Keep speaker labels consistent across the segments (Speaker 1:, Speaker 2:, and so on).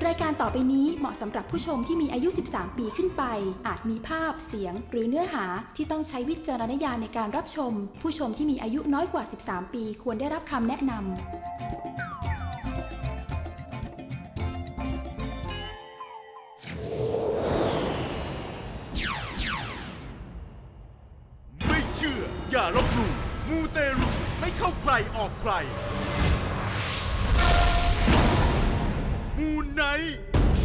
Speaker 1: รายการต่อไปนี้เหมาะสำหรับผู้ชมที่มีอายุ 13 ปีขึ้นไป อาจมีภาพ เสียง หรือเนื้อหาที่ต้องใช้วิจารณญาณในการรับชม ผู้ชมที่มีอายุน้อยกว่า 13 ปีควรได้รับคำแนะนำ
Speaker 2: ไม่เชื่ออย่าลบหลู่มูเตรุไม่เข้าใครออกใครมูไนท์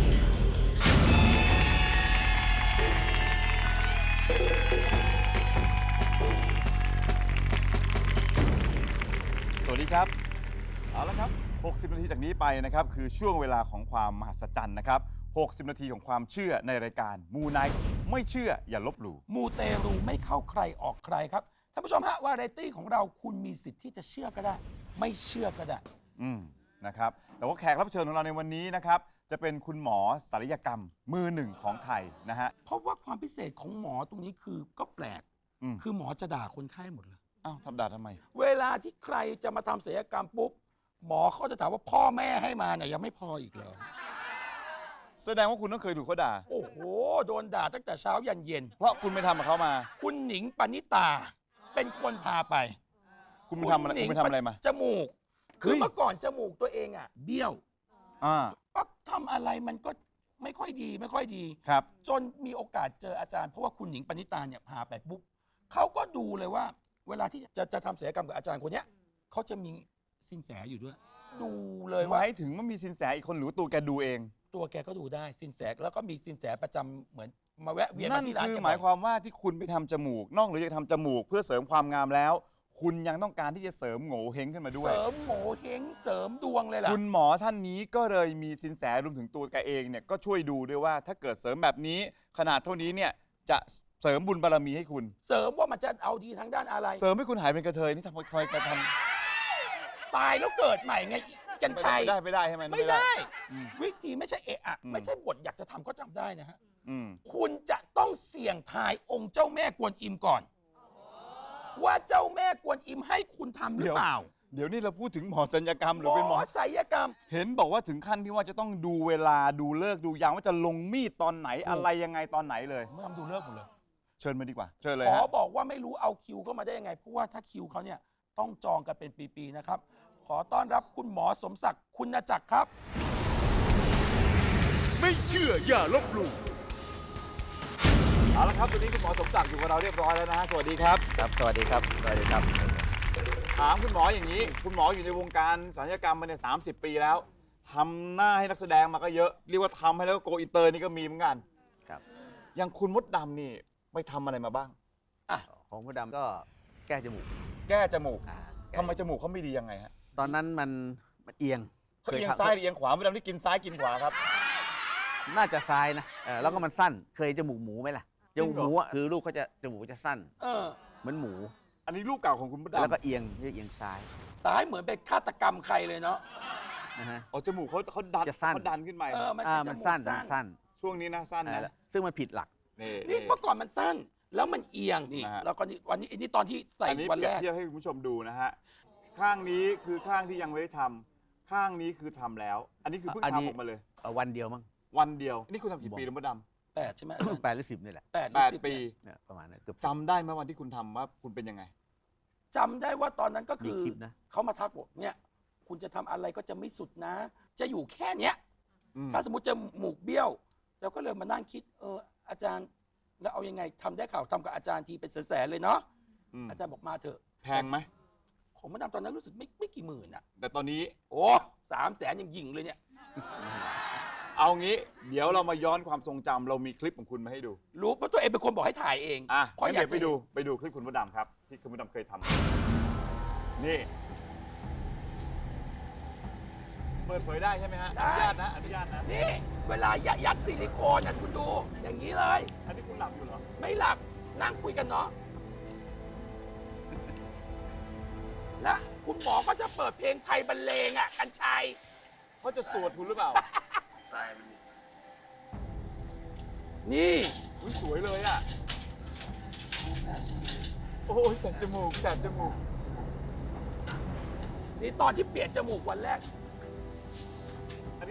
Speaker 2: สวัสดีครับเอาละครับ60 นาทีจากนี้ไปนะครับคือช่วงเวลาของความมหัศจรรย์นะครับ60 นาทีของความเชื่อในรายการมูไนท์ไม่เชื่ออย่าลบหลู่
Speaker 3: มูเตรูไม่เข้าใครออกใครครับท่านผู้ชมฮะวาไรตี้ของเราคุณมีสิทธิ์ที่จะเชื่อก็ได้ ไม่เชื่อก็ได้
Speaker 2: นะครับแต่ว่าแขกรับเชิญของเราในวันนี้นะครับจะเป็นคุณหมอศัลยกรรมมือหนึ่งของไทยนะฮะ
Speaker 3: เพราะว่าความพิเศษของหมอตรงนี้คือก็แปลก คือหมอจะด่าคนไข้หมดเลย
Speaker 2: อ้าวทำด่าทำไม
Speaker 3: เวลาที่ใครจะมาทำศัลยกรรมปุ๊บหมอเขาจะถามว่าพ่อแม่ให้มาเนี่ยยังไม่พออีกเหรอ
Speaker 2: แสดงว่าคุณต้องเคยถูกเขาด่า
Speaker 3: โอ้โหโดนด่าตั้งแต่เช้ายันเย็น
Speaker 2: เพราะคุณไปทำกับเขามา
Speaker 3: คุณหนิงปณิตาเป็นคนพาไป
Speaker 2: คุณไปทำอะไรคุณไปทำอะไรมา
Speaker 3: จมูก
Speaker 2: เฮ้
Speaker 3: คือย เมื่อก่อนจมูกตัวเองอ่ะเบี้ยว
Speaker 2: อ่า
Speaker 3: ปั๊บทำอะไรมันก็ไม่ค่อยดีไม่ค่อยดี
Speaker 2: ครับ
Speaker 3: จนมีโอกาสเจออาจารย์เพราะว่าคุณหนิงปณิตาเนี่ยพาไปปุ๊บเขาก็ดูเลยว่า เวลาที่จะทำศัลยกรรมกับอาจารย์คนเนี้ยเขาจะมีสินแสอยู่ด้วย ดูเลย
Speaker 2: ห
Speaker 3: ว่า
Speaker 2: มายถึงว่ามีสินแสอีกคนหรือว่าตัวแกดูเอง
Speaker 3: ตัวแกก็ดูได้สินแสแล้วก็มีสินแสประจำเหมือนมาแวะเวียน
Speaker 2: นั่
Speaker 3: มาน ที่ร้าน
Speaker 2: คือ
Speaker 3: แก
Speaker 2: หมายค
Speaker 3: บ่อยว
Speaker 2: ามว่าที่คุณไปทำจมูก นอกเหนือจากทำจมูกเพื่อเสริมความงามแล้ว คุณยังต้องการที่จะเสริมโง่เฮงขึ้นมาด้วย
Speaker 3: เสริมโหมเฮงเสริมดวงเลยล่ะ
Speaker 2: คุณหมอท่านนี้ก็เลยมีสินแสรวมถึงตัวแกเองเนี่ยก็ช่วยดูด้วยว่าถ้าเกิดเสริมแบบนี้ขนาดเท่านี้เนี่ยจะเสริมบุญบารมีให้คุณ
Speaker 3: เสริมว่ามันจะเอาดีทางด้านอะไร
Speaker 2: เสริมให้คุณหายเป็นกระเทยนี่ทำไมเคยท
Speaker 3: ตายแล้วเกิดใหม่ไงกัญ
Speaker 2: ำ
Speaker 3: ชัย
Speaker 2: ไม่ได้ใช่ไหม
Speaker 3: ไม่ได้
Speaker 2: อืม
Speaker 3: วิธีไม่ใช่เอะอะ
Speaker 2: อืม
Speaker 3: ไม่ใช่บทอยากจะทำก็ทำได้นะฮะ
Speaker 2: อืม
Speaker 3: คุณจะต้องเสี่ยงทายองค์เจ้าแม่กวนอิมก่อน ว่าเจ้าแม่กวนอิมให้คุณทำหรือเปล่า
Speaker 2: เดี๋ยวนี้เราพูดถึงหมอศัลยกรรมหรือเป็นหมอ
Speaker 3: ศัลยกรรม
Speaker 2: เห็นบอกว่าถึงขั้นที่ว่าจะต้องดูเวลาดูเลิกษ์ดูยามว่าจะลงมีดตอนไหน
Speaker 3: ถูก
Speaker 2: อะไรยังไงตอนไหนเลย
Speaker 3: เมื่อทำดูเลิกหมดเลย
Speaker 2: เชิญมาดีกว่า เชิญเลย
Speaker 3: ขอ
Speaker 2: ฮะ
Speaker 3: บอกว่าไม่รู้เอาคิวเข้ามาได้ยังไง เพราะว่าถ้าคิวเขาเนี่ยต้องจองกันเป็นปีๆนะครับ ขอต้อนรับคุณหมอสมศักดิ์คุณจักรครับ
Speaker 2: ไม่เชื่ออย่าลบหลู่เอาละครับตอนนี้คุณหมอสมศักดิ์อยู่กับเราเรียบร้อยแล้วนะฮะสวัสดีครับ
Speaker 4: ครับสวัสดีครับสวัสดีครับ
Speaker 2: ถามคุณหมออย่างนี้ คุณหมออยู่ในวงการศัลยกรรมมาเนี่ย30 ปีแล้วทำหน้าให้นักแสดงมาก็เยอะเรียกว่าทำให้แล้วก็โกอินเตอร์นี่ก็มีเหมือนกัน
Speaker 4: ครับ
Speaker 2: อย่างคุณมดดำนี่ไปทำอะไรมาบ้าง
Speaker 4: ของคุณดำก็แก้จมูก
Speaker 2: แก้จมูก
Speaker 4: อ่า
Speaker 2: ทำไมจมูกเขาไม่ดียังไงฮะ
Speaker 4: ตอนนั้นมันเอียง
Speaker 2: เขาเอียง
Speaker 4: ทำ
Speaker 2: ซ้ายหรือเอียงขวามดดำที่กินซ้ายกินขวาครับ
Speaker 4: น่าจะซ้ายนะแล้วก็มันสั้น เคยจมูกหมูไหมล่ะ
Speaker 2: จ
Speaker 4: จ
Speaker 2: ริงเหรอ
Speaker 4: มูกหมูอ่ะคือลูกเขาจะจมูกจะสั้น
Speaker 3: เออ
Speaker 4: เหมือนหมู
Speaker 2: อันนี้รูปเก่าของคุณมด
Speaker 4: แล้วก็
Speaker 2: ดำ
Speaker 4: เอียงเรียกเอียงซ้าย
Speaker 3: ตายเหมือนเป็นฆาตกรรมใครเลยเนาะ
Speaker 4: นะฮะ
Speaker 2: อ๋อจมูกเขาดัน
Speaker 4: จะสั้น
Speaker 2: เขาดันขึ้นไป
Speaker 3: เออ มัน
Speaker 4: มัน
Speaker 3: จ
Speaker 4: สั้นมันสั้น
Speaker 2: ช่วงนี้นะสั้นนะ
Speaker 4: ซึ่งมันผิดหลัก
Speaker 2: นี่
Speaker 3: นี่เมื่อก่อนมันสั้น แล้วมันเอียงนี่
Speaker 2: นะฮะ
Speaker 3: แล้วก็นี่วันนี้นี่ตอนที่ใส่
Speaker 2: อันนี้
Speaker 3: วัน
Speaker 2: เปรี
Speaker 3: แร
Speaker 2: ยบ
Speaker 3: ก
Speaker 2: เทียบให้คุณผู้ชมดูนะฮะข้างนี้คือข้างที่ยังไม่ได้ทำข้างนี้คือทำแล้ว อันนี้คือเพิ่ง
Speaker 4: อันนี้
Speaker 2: ทำออกมาเลย
Speaker 4: วันเดียวมั้ง
Speaker 2: วันเดียวนี่คุณทำกี่ปีแล้วมดด
Speaker 3: 8 ใช่ไหม
Speaker 4: 8 หรือ 10นี่แหละ
Speaker 3: 8
Speaker 2: ำ8 ปี
Speaker 4: เนี่ยประมาณนั้นเกือบ
Speaker 2: จำได้ไหมวันที่คุณทำว่าคุณเป็นยังไง
Speaker 3: จำได้ว่าตอนนั้นก็
Speaker 4: มี
Speaker 3: คือ
Speaker 4: คลิปนะ
Speaker 3: เขามาทักบอกเนี่ย คุณจะทำอะไรก็จะไม่สุดนะ จะอยู่แค่เนี้ย ถ้าสมมติจะหมูกเบี้ยว แล้วก็เลยมานั่งคิด อาจารย์ แล้วเอายังไงทำได้ข่าวทำกับอาจารย์ทีเป็นแสนๆเลยเนาะ อาจารย์บอกมาเถอะ
Speaker 2: แพงไหม
Speaker 3: ของมาดามตอนนั้นรู้สึกไม่กี่หมื่นอ่ะ
Speaker 2: แต่ตอนนี้
Speaker 3: โอ้300,000ยังยิงเลยเนี่ย
Speaker 2: เอางี้ เดี๋ยวเรามาย้อนความทรงจำเรามีคลิปของคุณมาให้ดู
Speaker 3: รู้เพราะตัวเองเป็นคนบอกให้ถ่ายเอง
Speaker 2: อ่ะ
Speaker 3: เพราะ
Speaker 2: งั้น
Speaker 3: อยาก
Speaker 2: เดี๋ยว
Speaker 3: จะ
Speaker 2: ไปดูคลิปคุณมดดำครับ ที่คุณมดดำเคยทำนี่เปิดเผยได้ใช่ไหมฮะอนุญาตนะอนุญาตนะ
Speaker 3: นี่ เวลายัดซิลิโคนอ่ะคุณดู อย่างนี้เลย
Speaker 2: อันนี้คุณหลับอยู่เหรอ
Speaker 3: ไม่หลับนั่งคุยกันเนาะ และคุณหมอก็จะเปิดเพลงไทยบรรเลงอ่ะกัญชัย
Speaker 2: เขาจะสวดคุณหรือเปล่า
Speaker 3: นี่
Speaker 2: อุ๊ยสวยเลยอ่ะ โอ้ยแสบจมูกแสบจมูก
Speaker 3: นี่ตอนที่เปลี่ยนจมูกวันแรก
Speaker 2: อันนี้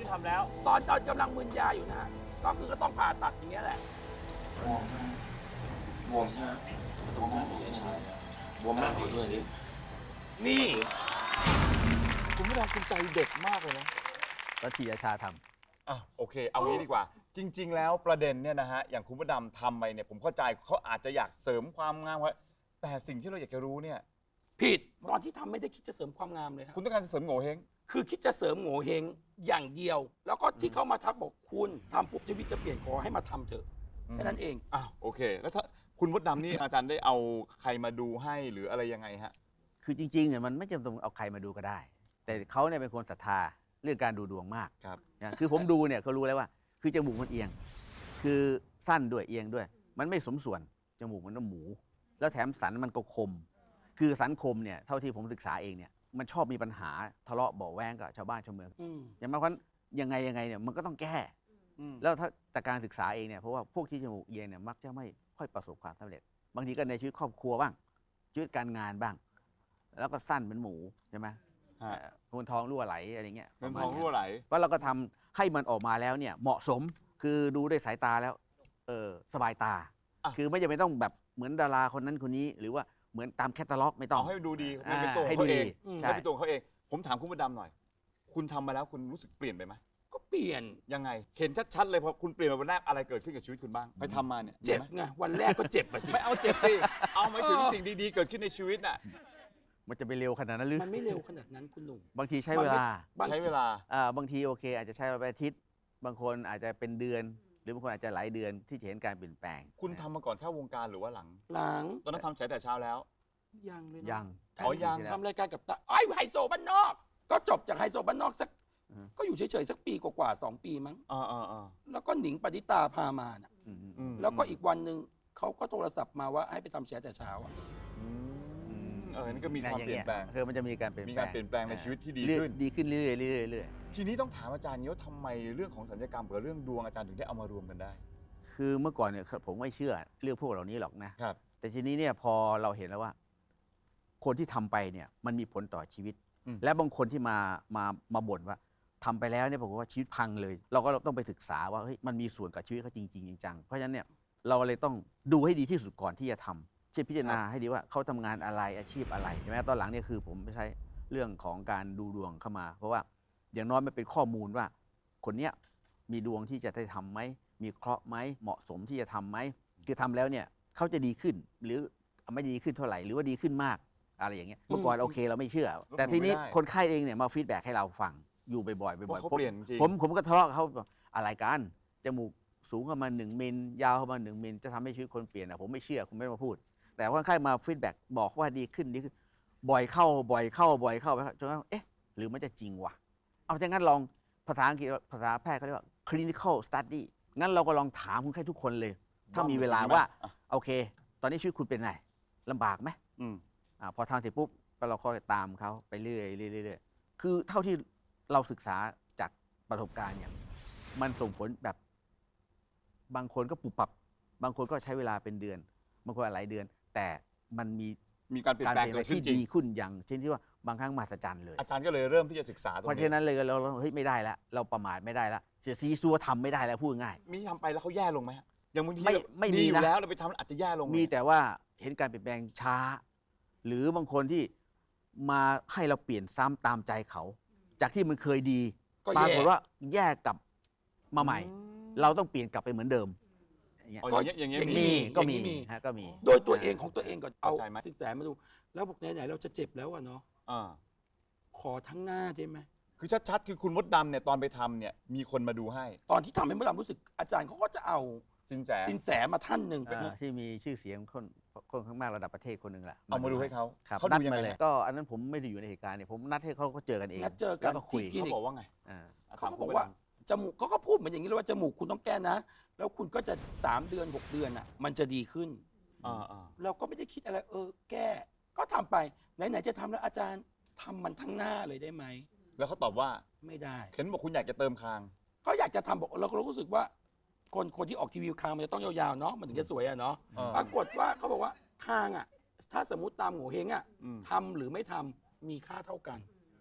Speaker 2: ทำแล้ว
Speaker 3: ตอนกำลังมึนยาอยู่นะฮะก็คือก็ต้องผ่าตัดอย่างเงี้ยแหละ
Speaker 5: บวมใช่ไหมบวมใช่ไหมบวมมากกว่านี้ใช่บวมมากกว่าด้วยนี่
Speaker 3: นี่
Speaker 2: คุณไม่ทำคุณใจเด็กมากเลยนะ
Speaker 4: แล้วทีอาชาทำ
Speaker 2: อ่ะโอเค เอางี้ดีกว่า จริง ๆ แล้วประเด็นเนี่ยนะฮะอย่างคุณพระดำทำไปเนี่ยผมเข้าใจเขาอาจจะอยากเสริมความงามไว้แต่สิ่งที่เราอยากจะรู้เนี่ย
Speaker 3: ผิดตอนที่ทำไม่ได้คิดจะเสริมความงามเลยครับ
Speaker 2: คุณต้องการจะเสริมโง่เฮง
Speaker 3: คือคิดจะเสริมโง่เฮงอย่างเดียว แล้วก็ที่เขามาทักบอกคุณทำปุ๊บชีวิตจะเปลี่ยนขอให้มาทำเถอะแค่นั้นเอง
Speaker 2: อ้าวโอเค แล้วถ้าคุณมดดำนี่ อาจารย์ได้เอาใครมาดูให้หรืออะไรยังไงฮะ
Speaker 4: คือจริงๆเนี่ยมันไม่จำเป็นต้องเอาใครมาดูก็ได้ แต่เขาเนี่ยเป็นคนศรัทธาเรื่องการดูดวงมาก
Speaker 2: ครับ
Speaker 4: นะคือผมดูเนี่ยเขารู้แล้วว่า คือจมูกมันเอียง คือสั้นด้วยเอียงด้วย มันไม่สมส่วนจมูกมันน้ำหมู แล้วแถมสันมันก็คม คือสันคมเนี่ยเท่าที่ผมศึกษาเองเนี่ยมันชอบมีปัญหาทะเลาะเบาะแว้งกับชาวบ้านชาวเมือง
Speaker 3: อืม
Speaker 4: อย่างมากเพราะยังไงเนี่ยมันก็ต้องแก้ แล้วถ้าจากการศึกษาเองเนี่ยเพราะว่าพวกที่จมูกเอียงเนี่ยมักจะไม่ค่อยประสบความสำเร็จ บางทีก็ในชีวิตครอบครัวบ้างชีวิตการงานบ้าง แล้วก็สั้นเป็นหมูใช่ไหม
Speaker 2: ฮะ
Speaker 4: เงินทองรั่วไหลอะไรเงี้ย
Speaker 2: เงินทองรั่วไหล
Speaker 4: เพราะเราก็ทำให้มันออกมาแล้วเนี่ยเหมาะสมคือดูด้วยสายตาแล้วสบายตา
Speaker 2: อ่ะ
Speaker 4: คือไม่จำเป็นต้องแบบเหมือนดาราคนนั้นคนนี้ หรือว่าเหมือนตามแคตตาล็อกไม่ต้อง
Speaker 2: เอาให้ดูดีมันเป็นตัวของ
Speaker 4: ให้ดู
Speaker 2: เขาเอ
Speaker 4: ดี
Speaker 2: ง
Speaker 4: ใช่
Speaker 2: ให้เป็นตัวของเขาเอง ผมถามคุณมดดำหน่อย คุณทำมาแล้วคุณรู้สึกเปลี่ยนไปไหม
Speaker 3: ก็เปลี่ยน
Speaker 2: ยังไง เห็นชัดๆเลยพอคุณเปลี่ยนมาวันแรกอะไรเกิดขึ้นกับชีวิตคุณบ้าง ไปทำมาเนี่ย
Speaker 3: เจ็บ
Speaker 2: ห็นไหม
Speaker 3: ไงวันแรกก็เจ็บมาสิ
Speaker 2: ไม่เอาเจ็บสิเอาหมายถึงสิ่งดีๆเกิดขึ้นในชีวิตน่ะ
Speaker 4: มันจะไปเร็วขนาดนั้นหรือ
Speaker 3: มันไม่เร็วขนาดนั้นคุณหนุ่ม
Speaker 4: บางทีใช้เวลา
Speaker 3: บาง
Speaker 2: ใช้เวลา
Speaker 4: บางทีโอเค อาจจะใช้เวลาเป็นอาทิตย์ บางคนอาจจะเป็นเดือน หรือบางคนอาจจะหลายเดือนที่จะเห็นการเปลี่ยนแปลง
Speaker 2: คุณทำมาก่อนเข้าวงการหรือว่าหลัง
Speaker 3: หลัง
Speaker 2: ตอนนั้นทำฉายแต่เช้าแล้ว
Speaker 3: ยังเลยนะ
Speaker 4: ยัง
Speaker 2: อ๋อยัง
Speaker 3: ทำรายการกับตาไอ้ยไฮโซบ้านนอก ก็จบจากไฮโซบ้านนอกสัก
Speaker 4: อืม
Speaker 3: ก็อยู่เฉยๆสักปีกว่าๆ2 ปีมั้ง
Speaker 2: อ่า
Speaker 3: แล้วก็หนิงปณิตาพามาน่ะ
Speaker 4: อืม
Speaker 2: อืม
Speaker 3: แล้วก็อีกวันหนึ่งเขาก็โทรศัพท์มาว่าให้ไปทำแชร์แต่เช้าอะ
Speaker 2: นี่ก็มีความเปลี่ยนแปลง
Speaker 4: คือมันจะมีการเปลี่ยน
Speaker 2: มี
Speaker 4: แปล
Speaker 2: กาง รเปลี่ยนแปลงในชีวิตที่ดี
Speaker 4: เรื่อย
Speaker 2: ขึ้น
Speaker 4: ดีขึ้นเรื่อยๆเรื่อยๆเรื่อย
Speaker 2: ทีนี้ต้องถามอาจารย์นี้ว่าทำไมเรื่องของสัญญกรรมกับเรื่องดวงอาจารย์ถึงได้เอามารวมกันได้
Speaker 4: ๆคือเมื่อก่อนเนี่ยผมไม่เชื่อเรื่องพวกเหล่านี้หรอกนะ
Speaker 2: ครับ
Speaker 4: แต่ทีนี้เนี่ยพอเราเห็นแล้วว่า คนที่ทำไปเนี่ยมันมีผลต่อชีวิต
Speaker 2: อืม
Speaker 4: และบางคนที่มาบ่นว่าทำไปแล้วเนี่ยบอกว่าชีวิตพังเลย เราก็ต้องไปศึกษาว่าเฮ้ยมันมีส่วนกับชีวิตเขาจริงๆจังๆเพราะฉะนั้นเนี่ยเราเลยต้องดูให้ดีที่สุดก่อนที่จะทำเช่นพิจารณาให้ดีว่าเขาทำงานอะไรอาชีพอะไรใช่ไหมตอนหลังเนี่ยคือผมไม่ใช้เรื่องของการดูดวงเข้ามา เพราะว่าอย่างน้อยมันเป็นข้อมูลว่า คนเนี้ยมีดวงที่จะได้ทำไหมมีเคราะห์ไหมเหมาะสมที่จะทำไหมคือทำแล้วเนี่ยเขาจะดีขึ้นหรือไม่ดีขึ้นเท่าไหร่หรือว่าดีขึ้นมากอะไรอย่างเงี้ยเมื่อก่อนโอเคเราไม่เชื่อ แต่ทีนี้คนไข้เองเนี่ยมาฟีดแบ็กให้เราฟังอยู่บ่อยๆ
Speaker 2: เพ
Speaker 4: บ่อย
Speaker 2: ราะเขา
Speaker 4: ๆ
Speaker 2: เปลี่ยนจริง
Speaker 4: ผมก็ทะเลาะกับเขาบอกอะไรกันจมูกสูงเข้ามา1 มิลยาวเข้ามา1 มิลจะทำให้ชีวิตคนเปลี่ยนอะผมไม่เชื่อคุณไม่มาพูด แต่คนไข้มาฟีดแบ็กบอกว่าดีขึ้นบ่อยเข้าจนกระทั่งเอ๊ะหรือมันจะจริงวะเอาอย่างนั้นลองภาษาอังกฤษภาษาแพทย์เขาเรียกว่า clinical study งั้นเราก็ลองถามคนไข้ทุกคนเลย ถ้ามีเวลาว่า
Speaker 2: อ่ะ
Speaker 4: โอเค ตอนนี้ชีวิตคุณเป็นไงลำบากไหม
Speaker 2: อืม
Speaker 4: พอทำเสร็จปุ๊บก็เราก็ตามเขาไปเรื่อยๆคือเท่าที่เราศึกษาจากประสบการณ์เนี่ยมันส่งผลแบบบางคนก็ปุบปับบางคนก็ใช้เวลาเป็นเดือน บางคนหลายเดือน แต่มันมี
Speaker 2: มีการเปลี่ยนแปลงเกิดขึ้น
Speaker 4: ที่
Speaker 2: จริง
Speaker 4: ดีขึ้นอย่างเช่นที่ว่าบางครั้งมหัศจรรย์เลย
Speaker 2: อาจารย์ก็เลยเริ่มที่จะศึกษาตรง
Speaker 4: เพราะฉะ
Speaker 2: นี้
Speaker 4: นั้นเลยเราเฮ้ยไม่ได้แล้วเราประมาทไม่ได้แล้วเสียซีซัวทำไม่ได้แล้วพูดง่าย
Speaker 2: มีทำไปแล้วเขาแย่ลงไหมฮะอย่างบางที
Speaker 4: ไม่มี
Speaker 2: ดีอยู่
Speaker 4: นะ
Speaker 2: แล้วเราไปทำอาจจะแย่ลงไห
Speaker 4: มีแต่ว่าเห็นการเปลี่ยนแปลงช้า หรือบางคนที่มาให้เราเปลี่ยนซ้ำตามใจเขา จากที่มันเคยดี
Speaker 3: ก็
Speaker 4: ปรา
Speaker 3: แย่
Speaker 4: กฏว่าแย่กลับมาใหม่ เราต้องเปลี่ยนกลับไปเหมือนเดิมอย่างเงี้ย
Speaker 2: อ๋ออย่างเงี้ย
Speaker 3: มี
Speaker 4: ก็
Speaker 3: อย่างนี้
Speaker 4: มี
Speaker 3: มี
Speaker 4: ฮะก็มี
Speaker 3: โดยตัวเองของตัวเองก่อนเอา
Speaker 2: เข้าใจไหม
Speaker 3: สินแสมาดู แล้วบอกไหนๆเราจะเจ็บแล้วอะเนาะ
Speaker 2: อ่า
Speaker 3: ขอทั้งหน้าได้ไหม
Speaker 2: คือชัดๆ คือคุณมดดำเนี่ยตอนไปทำเนี่ยมีคนมาดูให้
Speaker 3: ตอนที่ทำให้มดดำรู้สึกอาจารย์เขาก็จะเอา
Speaker 2: สินแส
Speaker 3: สินแสมาท่านหนึ่งเป็น
Speaker 4: ที่มีชื่อเสียงคนข้างมากระดับประเทศคนหนึ่งแหละ
Speaker 2: เอามาดูให้เขา
Speaker 4: ครับ
Speaker 2: เขา
Speaker 4: นั
Speaker 2: ดู
Speaker 4: ด
Speaker 2: ยัง
Speaker 4: มา
Speaker 2: ไง
Speaker 4: เลย
Speaker 2: ฮะ
Speaker 4: ก็อันนั้นผมไม่ได้อยู่ในเหตุการณ์เนี่ยผมนัดให้เขาเจอกันเอง
Speaker 3: นัดเจอกัน
Speaker 4: แล้วก็คุย
Speaker 3: ที่
Speaker 2: เขาบอกว่าไง
Speaker 4: อ่า
Speaker 3: เขาก็บอกว่าจมูกเขาก็พูดเหมือนอย่างนี้เลยว่าจมูกคุณต้องแก้นะ แล้วคุณก็จะ3 เดือน 6 เดือนอ่ะมันจะดีขึ้น
Speaker 2: อ่า
Speaker 3: เราก็ไม่ได้คิดอะไรแก้ก็ทำไปไหนๆจะทำแล้วอาจารย์ทำมันทั้งหน้าเลยได้ไหม
Speaker 2: แล้วเขาตอบว่า
Speaker 3: ไม่ได้
Speaker 2: เห็นบอกคุณอยากจะเติมคาง
Speaker 3: เขาอยากจะทำบอกเราก็รู้สึกว่า คนที่ออกทีวีคางมันจะต้องยาวๆเนาะมันถึงจะสวยอะเนาะ
Speaker 2: อ่า
Speaker 3: ปรากฏว่าเขาบอกว่าคางอ่ะถ้าสมมติตามโงเ่เฮงอ่ะ
Speaker 2: อืม
Speaker 3: ทำหรือไม่ทำมีค่าเท่ากัน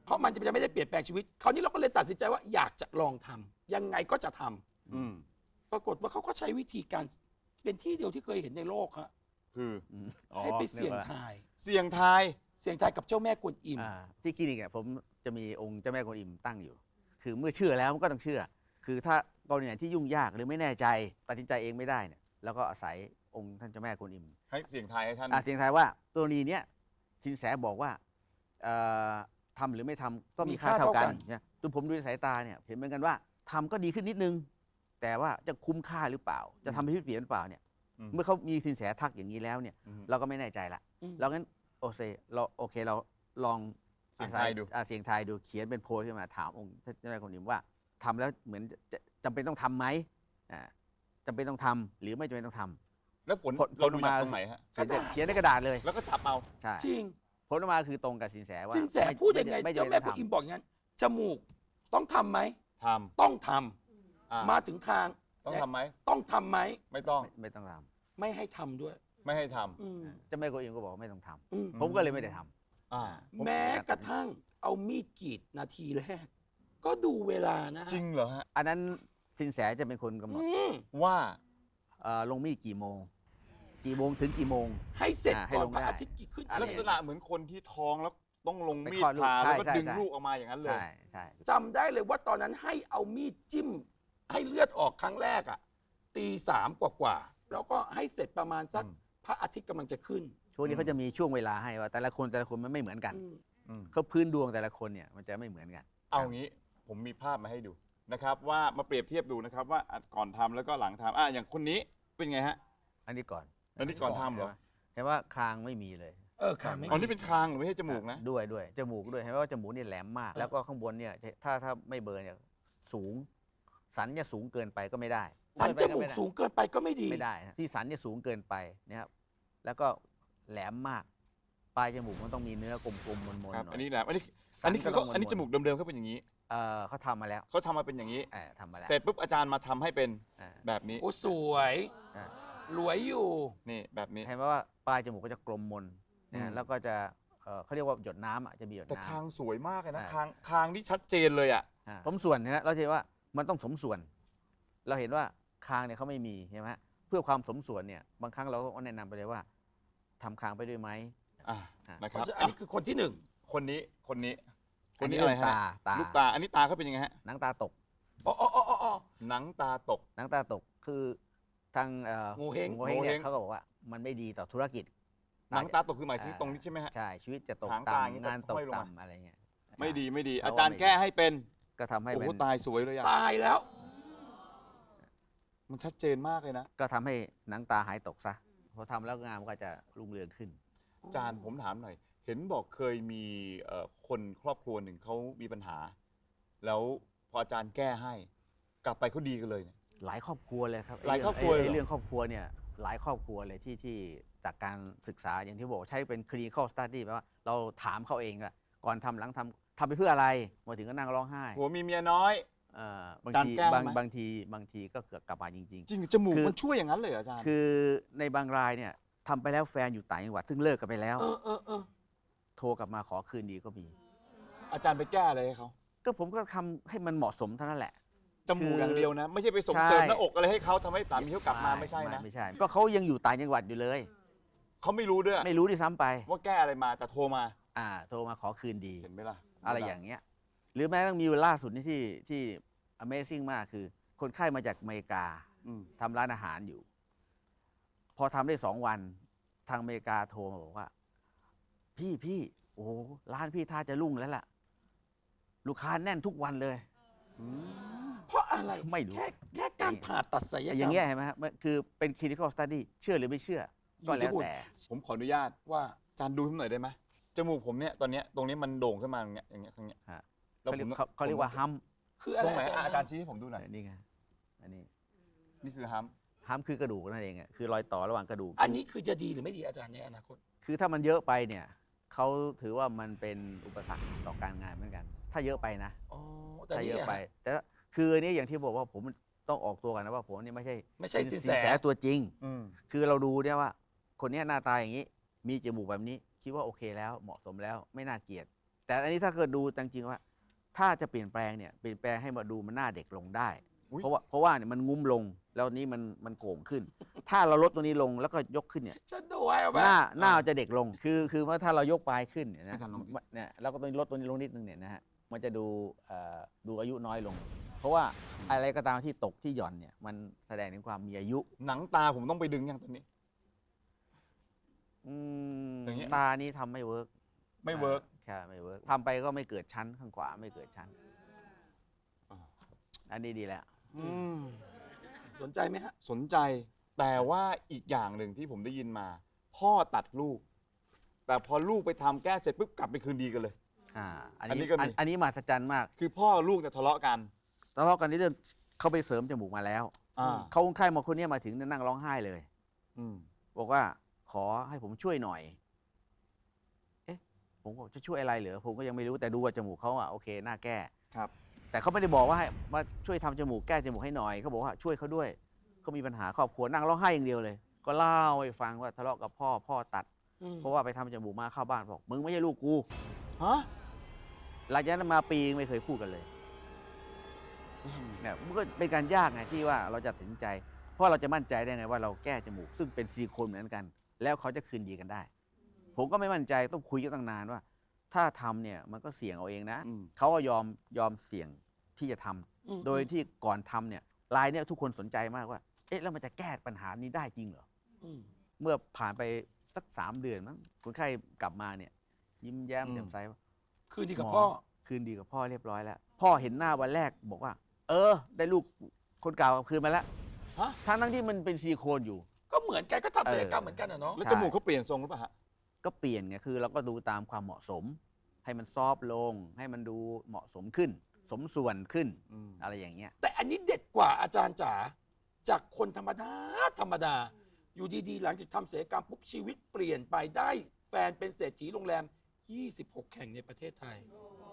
Speaker 3: เพราะมันจะไม่ได้เปลี่ยนแปลงชีวิตคราวนี้เราก็เลยตัดสินใจว่าอยากจะลองทำยังไงก็จะทำ
Speaker 2: อืม
Speaker 3: ปรากฏว่าเขาก็ใช้วิธีการเป็นที่เดียวที่เคยเห็นในโลกฮะ
Speaker 2: คือ
Speaker 4: อ๋อ
Speaker 3: ให้ไปเสี่ยงทาย
Speaker 2: เสี่ยงทาย
Speaker 3: เสี่ยงทายกับเจ้าแม่กวนอิม
Speaker 4: ที่คลินิกเนี่ยผมจะมีองค์เจ้าแม่กวนอิมตั้งอยู่ คือเมื่อเชื่อแล้วมันก็ต้องเชื่อ คือถ้ากรณีไหนที่ยุ่งยากหรือไม่แน่ใจตัดสินใจเองไม่ได้เนี่ยแล้วก็อาศัยองค์ท่านเจ้าแม่กวนอิม
Speaker 2: ให้เสี่ยงทายให้ท่าน
Speaker 4: เสียงทายว่าตัวนี้เนี้ยสินแสบอกว่าเอ่อทำหรือไม่ทำก็มีค่าเท่ากันเนี่ยจนผมดูในสายตาเนี่ยเห็นเหมือนกันว่าทำก็ดีขึ้นนิดนึง แต่ว่าจะคุ้มค่าหรือเปล่า จะทำให้ชีวิตเปลี่ยนหรือเปล่าเนี่ยเมื่อเขามีสินแสทักอย่างนี้แล้วเนี่ยเราก็ไม่แน่ใจละ
Speaker 3: อืม
Speaker 4: เรางั้นโอเคเราลอง
Speaker 2: เสี่ยงทายดู
Speaker 4: เสียงทายดูเขียนเป็นโพสต์ขึ้นมาถามองค์ท่านเจ้าแม่กวนอิมว่าทำแล้วเหมือนจะจำเป็นต้องทำไหมจำเป็นต้องทำหรือไม่จำเป็นต้องทำ
Speaker 2: แล้วผล
Speaker 4: ผล
Speaker 2: เราดู
Speaker 4: ออกมา
Speaker 2: จากตรงไหนฮะ
Speaker 4: เขียนในกระดาษเลย
Speaker 2: แล้วก็จับเอา
Speaker 4: ใช่
Speaker 3: จริง
Speaker 4: ผลออกมาคือตรงกับสินแสว่า
Speaker 3: สินแสพูดยังไง
Speaker 4: ไม่
Speaker 3: เจ้า
Speaker 4: จำ
Speaker 3: แม่
Speaker 4: เป็น
Speaker 3: ก
Speaker 4: ต้
Speaker 3: ว
Speaker 4: อน ง
Speaker 3: อิม
Speaker 4: ทำ
Speaker 3: บอกอย่างนั้นจมูกต้องทำไหม
Speaker 2: ท
Speaker 3: ต้องทำ
Speaker 2: ำอ่า
Speaker 3: มาถึงคาง
Speaker 2: ต้องทำไหม
Speaker 3: ต้องทำไหม
Speaker 2: ไม่ต้อง
Speaker 4: ไม่ต้องท
Speaker 3: ไม่ให้ทำด้วย
Speaker 2: ไม่ให้ท
Speaker 3: อืม
Speaker 4: ำเจ้าแม่กวนอิมก็บอกว่าไม่ต้องท
Speaker 3: อืม
Speaker 4: ำผมก็เลยไม่ได้ท
Speaker 2: ำอ่า
Speaker 3: แม้กระทั่งเอามีดกรีดนาทีแรก ก็ดูเวลานะฮะ
Speaker 2: จริงเหรอฮะ
Speaker 4: ำอันนั้นสินแสจะเป็นคนกำหนด
Speaker 3: อืม
Speaker 2: ว่า
Speaker 4: ลงมีดกี่โมงถึงกี่โมง
Speaker 3: ให้เสร็จ
Speaker 4: ให้
Speaker 3: ก่อน
Speaker 4: ลง
Speaker 3: พระ
Speaker 4: ได้
Speaker 3: อาทิตย์กี่ขึ้น
Speaker 4: อะไร
Speaker 2: ลักษณะเหมือนคนที่ท้องแล้วต้องลงมี
Speaker 4: ไป
Speaker 2: ด
Speaker 4: คลอดลูก
Speaker 2: ผ่าแล้วก็
Speaker 4: ใช่
Speaker 2: ดึง
Speaker 4: ใช่
Speaker 2: ลูกออกมาอย่างนั้นเลย
Speaker 4: ใช่ใช่
Speaker 3: จำได้เลยว่าตอนนั้นให้เอามีดจิ้ม ให้เลือดออกครั้งแรกอ่ะตี 3กว่าๆแล้วก็ให้เสร็จประมาณสัก
Speaker 2: อืม
Speaker 3: พระอาทิตย์กำลังจะขึ้น
Speaker 4: ช่วงนี้เขาจะมีช่วงเวลาให้ว่าแต่ละคนมันไม่เหมือนกัน
Speaker 3: อืม
Speaker 2: อืม
Speaker 4: เขาพื้นดวงแต่ละคนเนี่ยมันจะไม่เหมือนกัน
Speaker 2: เอางี้ผมมีภาพมาให้ดูนะครับ ว่ามาเปรียบเทียบดูนะครับว่าก่อนทำแล้วก็หลังทำอย่างคนนี้เป็นไงฮะ
Speaker 4: อันนี้ก่อน
Speaker 2: อันนี้ก่อนทำเหรอ
Speaker 4: เห็นว่าคางไม่มีเลย
Speaker 3: ค่ะไม่
Speaker 2: อ๋อนี่เป็นคางหรือไม่ใช่จมูกนะ
Speaker 4: ด้วยจมูกด้วยเห็นว่าจมูกเนี่ยแหลมมาก แล้วก็ข้างบนเนี่ยถ้าไม่เบิร์นเนี่ยสูง สันเนี่ยสูงเกินไปก็ไม่ได้
Speaker 3: สันจมูกสูงเกินไปก็ไม่ดี
Speaker 4: ไม่ได้นะที่สันเนี่ยสูงเกินไปนะครับแล้วก็แหลมมาก ปลายจมูกมันต้องมีเนื้อกลมๆมนๆหน่
Speaker 2: ครับ
Speaker 4: อย
Speaker 2: อันนี้แหละอันนี้
Speaker 4: สั
Speaker 2: อันนี้คือเขา
Speaker 4: ต้ง
Speaker 2: อันนี้จมูกเดิมๆเขาเป็นอย่างนี้
Speaker 4: เขาทำมาแล้ว
Speaker 2: เขาทำมาเป็นอย่างนี้
Speaker 4: ทำมาแล้ว
Speaker 2: เสร็จปุ๊บอาจารย์มาทำให้เป็น
Speaker 4: อ่า
Speaker 2: แบบนี้
Speaker 3: โอ้สวย
Speaker 4: อ่า
Speaker 3: รวยอยู่
Speaker 2: นี่แบบนี้
Speaker 4: เห็นไหมว่าปลายจมูกก็จะกลมมนนะ
Speaker 2: อื
Speaker 4: ฮะ
Speaker 2: ม
Speaker 4: แล้วก็จะเขาเรียกว่าหยดน้ำอ่ะจะมีหยด
Speaker 2: แต่
Speaker 4: น้ำ
Speaker 2: คางสวยมากเลยนะ
Speaker 4: อ่า
Speaker 2: คางที่ชัดเจนเลยอ่ะ
Speaker 4: สมส่วนนะฮะเราจะเห็นว่ามันต้องสมส่วน เราเห็นว่าคางเนี่ยเขาไม่มีใช่ไหมฮะเพื่อความสมส่วนเนี่ยบางครั้งเราก็แนะนำไปเลยว่าทำคางไปด้วยไหม
Speaker 2: อ่ะนะครับ
Speaker 3: อันนี้คือคนที่หนึ่ง
Speaker 2: คนนี้คนนี้
Speaker 4: อันนี้
Speaker 2: อะไรฮะ
Speaker 4: ตา
Speaker 2: ลูกตาอันนี้ตาเขาเป็นยังไงฮะ
Speaker 4: หนังตาตก
Speaker 3: อ๋ออ๋ออ๋ออ๋อ
Speaker 2: หนังตาตก
Speaker 4: หนังตาตกคือทาง
Speaker 3: โงเห้ง
Speaker 4: โงเฮงเนี่
Speaker 2: โงเห้
Speaker 4: ย
Speaker 2: ง
Speaker 4: เขาก็บอกว่ามันไม่ดีต่อธุรกิจ
Speaker 2: หนังตาตกคือหมายถึงตรงนี้ใช่ไหมฮะ
Speaker 4: ใช่ชีวิตจะตก
Speaker 2: หางตาอย่างนี้
Speaker 4: ต่ำงานตก
Speaker 2: ห้อยลงมา
Speaker 4: ต่ำอะไรเงี้ย
Speaker 2: ไม่ดีไม่ดี
Speaker 4: เพราะ
Speaker 2: อา
Speaker 4: ว่า
Speaker 2: จารย์แก้ให้เป็น
Speaker 4: ก็ทำให้
Speaker 2: โอ้
Speaker 4: เป็
Speaker 2: โห
Speaker 4: น
Speaker 2: ตายสวยเลยอ่ะ
Speaker 3: ตายแล้ว
Speaker 2: มันชัดเจนมากเลยนะ
Speaker 4: ก็ทำให้หนังตาหายตกซะพอทำแล้วงานมันก็จะรุ่งเรืองขึ้น
Speaker 2: อาจารย์ผมถามหน่อย เห็นบอกเคยมีคนครอบครัวหนึ่งเขามีปัญหา แล้วพออาจารย์แก้ให้ กลับไปเขาดีกันเลยเนี่ย
Speaker 4: หลายครอบครัวเลยครับ
Speaker 2: หลายครอบครัวเลยเหรอ
Speaker 4: ไอ้เรื่องครอบครัวเนี่ยหลายครอบครัวเลยที่จากการศึกษาอย่างที่บอกใช้เป็น clinical study แปลว่าเราถามเขาเองอะก่อนทำหลังทำไปเพื่ออะไรมาถึงก็นั่งร้องไห้
Speaker 2: หัวมีเมียน้อย
Speaker 4: บาง
Speaker 2: การ
Speaker 4: ที
Speaker 2: แก้ไหม
Speaker 4: บางทีก็เกิดกลับมาจริง
Speaker 2: จริงจมูก
Speaker 4: คือ
Speaker 2: มันช่วยอย่างนั้นเลยเหรออาจารย์
Speaker 4: ๆ คือในบางรายเนี่ยทำไปแล้วแฟนอยู่ต่างจังหวัดซึ่งเลิกกันไปแล้ว
Speaker 3: เออ
Speaker 4: โทรกลับมาขอคืนดีก็มี
Speaker 2: อาจารย์ไปแก้อะไรให้เขา
Speaker 4: ก็ผมก็ทำให้มันเหมาะสมเท่านั้นแหละ
Speaker 2: จมูก
Speaker 4: คือ
Speaker 2: อย่างเดียวนะ ไม่ใช่ไปส่ง
Speaker 4: ใช่
Speaker 2: เสริมหน้าอกอะไรให้เขาทำให้สามีเขากลับมาไม่ใช่นะ
Speaker 4: ไม่ใช่ ก็เขายังอยู่ต่างจังหวัดอยู่เลย
Speaker 2: เขาไม่รู้ด้วย
Speaker 4: ไม่รู้ที่ซ้ำไป
Speaker 2: ว่าแก้อะไรมาแต่โทรมา
Speaker 4: โทรมาขอคืนดี
Speaker 2: เห็นไหมล่ะ
Speaker 4: อะไรอย่างเงี้ย หรือแม้กระทั่งมีล่าสุดนี่ที่ Amazing มากคือ คนไข้มาจากอเมริกา
Speaker 2: อืม
Speaker 4: ทำร้านอาหารอยู่ พอทำได้2 วันทางอเมริกาโทรมาบอกว่า พี่โอ้โหร้านพี่ท่าจะรุ่งแล้วล่ะ ลูกค้าแน่นทุกวันเลย
Speaker 3: เพราะอะไร
Speaker 4: ไม่รู้
Speaker 3: แค่การผ่าตัดศัลยกรรม
Speaker 4: อย่างเงี้ยเห็นไหมฮะมันคือเป็น clinical study เชื่อหรือไม่เชื่อ ก็แล้วแต่
Speaker 2: ผมขออนุญาต
Speaker 3: ว่า
Speaker 2: อาจารย์ดูให้ผมหน่อยได้ไหมจมูกผมเนี่ยตอนเนี้ยตรงนี้มันโด่งขึ้นมาอย่างเงี้ยอย่างเงี้ยอย่างเงี้ย
Speaker 4: ฮะ
Speaker 2: แล้ว
Speaker 4: เขาเรียกว่าฮัม
Speaker 3: คืออะไร
Speaker 2: ตรงไหนอาจารย์ชี้ให้ผมดูหน่อย
Speaker 4: นี่ไงอันนี้
Speaker 2: นี่คือฮัม
Speaker 4: ฮัมคือกระดูกนั่นเองอะคือรอยต่อระหว่างกระดูก
Speaker 3: อันนี้คือจะดีหรือไม่ดีอาจารย์ในอนาคต
Speaker 4: คือถ้ามันเยอะไปเนี่ยเขาถือว่ามันเป็นอุปสรรคต่อการงานเหมือนกัน ถ้าเยอะไปนะ
Speaker 3: อ๋อ แต่
Speaker 4: ถ้า
Speaker 3: นี่
Speaker 4: เยอะไป แต่คืออันนี้อย่างที่บอกว่าผมต้องออกตัวกันนะว่าผมนี่ไม่ใช่
Speaker 3: ไม่ใช่
Speaker 4: เป็น
Speaker 3: สิน
Speaker 4: สิน
Speaker 3: แส
Speaker 4: แสตัวจริง
Speaker 2: อืม
Speaker 4: คือเราดูเนี่ยว่า คนเนี้ยหน้าตาอย่างนี้ มีจมูกแบบนี้ คิดว่าโอเคแล้วเหมาะสมแล้วไม่น่าเกลียดแต่อันนี้ถ้าเกิดดูจริงๆว่า ถ้าจะเปลี่ยนแปลงเนี่ยเปลี่ยนแปลงให้มาดูมันหน้าเด็กลงได้
Speaker 2: อุ๊ย
Speaker 4: เพราะว่าเนี่ยมันงุ้มลงแล้วนี้มันโก่งขึ้น ถ้าเราลดตัวนี้ลงแล้วก็ยกขึ้นเนี่ย
Speaker 3: ฉันดูไว้เอาไหม
Speaker 4: หน้าจะเด็กลงคือว่าถ้าเรายกปลายขึ้นเนี่ยนะ
Speaker 2: อาจารย์ลองดิ
Speaker 4: เนี่ยเราก็ต้องลดตัวนี้ลงนิดนึงเนี่ยนะฮะมันจะดูอายุน้อยลง เพราะว่าอะไรก็ตามที่ตกที่หย่อนเนี่ยมันแสดงถึงความมีอายุ
Speaker 2: หนังตาผมต้องไปดึงยังตอนนี้
Speaker 4: อืม
Speaker 2: อย่างเงี้ย
Speaker 4: ตานี่ทำไม่เวิร์ก
Speaker 2: ไม่เวิร์ก
Speaker 4: ใช่ไม่เวิร์กทำไปก็ไม่เกิดชั้นข้างขวาไม่เกิดชั้น
Speaker 2: อ่า
Speaker 4: อันนี้ดีแล้ว
Speaker 3: สนใจไหมฮะ
Speaker 2: สนใจแต่ว่าอีกอย่างหนึ่งที่ผมได้ยินมา พ่อตัดลูก แต่พอลูกไปทำแก้เสร็จปุ๊บกลับไปคืนดีกันเลย
Speaker 4: อัน
Speaker 2: อันนี้
Speaker 4: นี้
Speaker 2: ก็มี
Speaker 4: อันนี้มหัศจรรย์มาก
Speaker 2: คือพ่อลูกเนี่ยทะเลาะกัน
Speaker 4: ทะเลาะกันที่เรื่องเขาไปเสริมจมูกมาแล้ว
Speaker 2: อ่า
Speaker 4: เขาคนไข้มาคนเนี้ยมาถึงเนี่ยนั่งร้องไห้เลย
Speaker 2: อืม
Speaker 4: บอกว่าขอให้ผมช่วยหน่อย เอ๊ะ ผมบอกจะช่วยอะไรเหรอผมก็ยังไม่รู้แต่ดูว่าจมูกเขาโอเคน่าแก้
Speaker 2: ครับ
Speaker 4: แต่เขาไม่ได้บอกว่าให้มาช่วยทำจมูกแก้จมูกให้หน่อยเขาบอกว่าช่วยเขาด้วยเขามีปัญหาครอบครัวนั่งร้องไห้อย่างเดียวเลย ก็เล่าให้ฟังว่าทะเลาะกับพ่อตัด เพราะว่าไปทำจมูกมาเข้าบ้านบอกมึงไม่ใช่ลูกกู
Speaker 2: ฮะ
Speaker 4: หลังจากนั้นมาปีไม่เคยพูดกันเลยเนี่ยมันก็เป็นการยากไงที่ว่าเราจะตัดสินใจ เพราะเราจะมั่นใจได้ไงว่าเราแก้จมูกซึ่งเป็นซิลิโคนเหมือนกัน แล้วเขาจะคืนดีกันได้ ผมก็ไม่มั่นใจต้องคุยกันตั้งนานว่า ถ้าทำเนี่ยมันก็เสี่ยงเอาเองนะ
Speaker 2: อืม
Speaker 4: เขาก็ยอมเสี่ยงที่จะทำ
Speaker 3: อืม
Speaker 4: โดยที่ก่อนทำเนี่ยรายเนี่ยทุกคนสนใจมากว่า เอ๊ะแล้วมันจะแก้ปัญหานี้ได้จริงเหรอ
Speaker 3: อืม
Speaker 4: เมื่อผ่านไปสัก3 เดือนมั้งคนไข้กลับมาเนี่ย ยิ้มแย้ม
Speaker 2: อืม
Speaker 4: แจ่มใสว่า
Speaker 3: คืนดีกับ
Speaker 4: หม
Speaker 3: พ่อ
Speaker 4: คืนดีกับพ่อเรียบร้อยแล้ว พ่อเห็นหน้าวันแรกบอกว่า ได้ลูกคนเก่าคืนมาแล้ว
Speaker 2: ฮะ
Speaker 4: ทั้งที่มันเป็นซิลิโคนอยู่
Speaker 3: ก็เหมือนกันก็ทำศัลยกรรมเหมือนกันอะเนาะ
Speaker 2: แล้ว
Speaker 4: ใช่
Speaker 2: จมูกเขาเปลี่ยนทรงหรือเปล่าฮะ
Speaker 4: ก็เปลี่ยนไงคือเราก็ดูตามความเหมาะสม ให้มันซอฟต์ลง ให้มันดูเหมาะสมขึ้น สมส่วนขึ้น
Speaker 2: อืม
Speaker 4: อะไรอย่างเงี้ย
Speaker 3: แต่อันนี้เด็ดกว่าอาจารย์จ๋าจากคนธรรมดาธรรมดา อยู่ดีๆ หลังจากทำศัลยกรรมปุ๊บชีวิตเปลี่ยนไปได้แฟนเป็นเศรษฐีโรงแรม 26 แห่งในประเทศไทย